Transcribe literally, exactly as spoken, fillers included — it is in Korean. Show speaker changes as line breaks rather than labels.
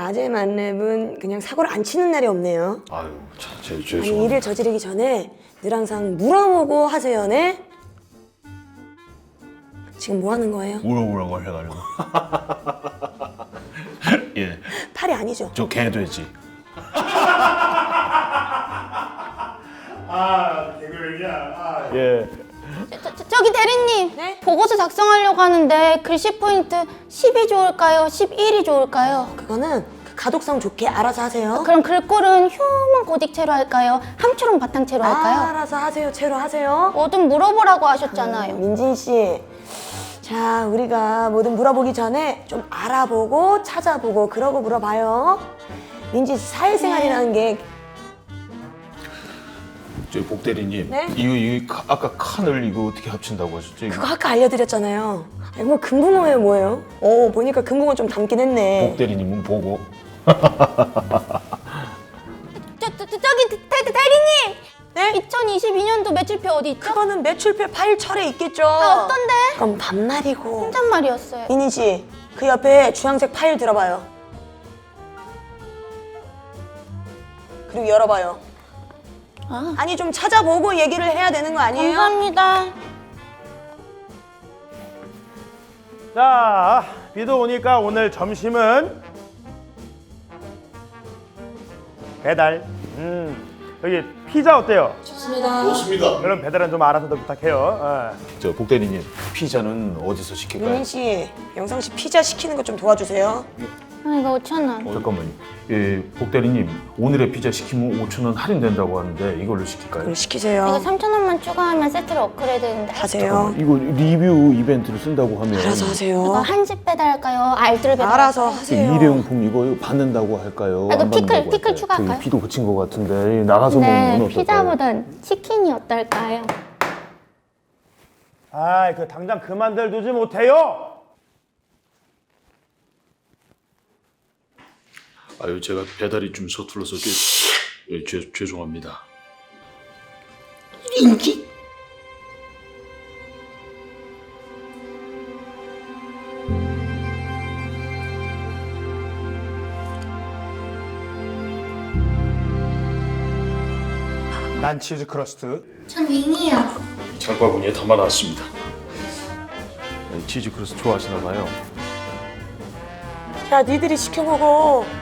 낮에 만렙은 그냥 사고를 안 치는 날이 없네요.
아유, 자, 제
아니,
죄송합니다.
일을 저지르기 전에 늘 항상 물어보고 하세요, 네? 지금 뭐 하는 거예요?
물어보라고 해가지고. 예,
팔이 아니죠?
저 개돼지.
아, 개그맨이야. 아.
예.
저, 저, 저기 대리님,
네?
보고서 작성하려고 하는데 글씨 포인트 십이 좋을까요? 십일이 좋을까요?
그거는 그 가독성 좋게 알아서 하세요.
그럼 글꼴은 휴먼 고딕체로 할까요? 함초롱 바탕체로 할까요?
알아서 하세요, 채로 하세요.
뭐든 물어보라고 하셨잖아요.
민진 씨, 자, 우리가 뭐든 물어보기 전에 좀 알아보고 찾아보고 그러고 물어봐요. 민진 씨 사회생활이라는 게
저 복대리님,
네?
이거 이거 카- 아까 칸을 이거 어떻게 합친다고 하셨죠? 이거?
그거 아까 알려드렸잖아요. 아니, 뭐 금붕어예요, 뭐예요? 어, 보니까 금붕어 좀 닮긴 했네.
복대리님은 보고.
저, 저, 저, 저기 대, 대, 대리님!
네?
이천이십이 년도 매출표 어디 있죠?
그거는 매출표 파일 철에 있겠죠.
아, 어떤데?
그럼 반말이고.
혼잣말이었어요.
민희 씨, 그 옆에 주황색 파일 들어봐요. 그리고 열어봐요.
아,
아니, 좀 찾아보고 얘기를 해야 되는 거 아니에요?
감사합니다.
자, 비도 오니까 오늘 점심은 배달. 음, 여기 피자 어때요?
좋습니다.
그럼 배달은 좀 알아서 더 부탁해요. 어.
저 복대리님, 피자는 어디서 시킬까요?
민희 씨, 영상 씨 피자 시키는 거 좀 도와주세요.
아, 이거 오천 원.
어, 잠깐만요. 예, 복대리님, 오늘의 피자 시키면 오천 원 할인된다고 하는데 이걸로 시킬까요?
그럼 시키세요.
이거 삼천 원만 추가하면 세트로 업그레이드 되는데.
하세요.
이거 리뷰 이벤트로 쓴다고 하면
알아서
이거
하세요.
한식 배달할까요? 알뜰 배달.
알아서
할까요?
하세요.
일회용품 이거 받는다고 할까요?
아, 이거
안
피클,
받는다고
피클
할까요?
추가할까요?
저기 비도 그친 것 같은데 나가서 먹는
네,
건 어떨까요?
피자보단 치킨이 어떨까요?
아, 그 당장 그만들 두지 못해요.
아유, 제가 배달이 좀 서툴러서 좀, 예, 죄, 죄송합니다.
인기?
난 치즈 크러스트.
전 윙이요.
장바구니에 담아놨습니다. 네, 치즈 크러스 좋아하시나 봐요.
야, 니들이 시켜 먹어.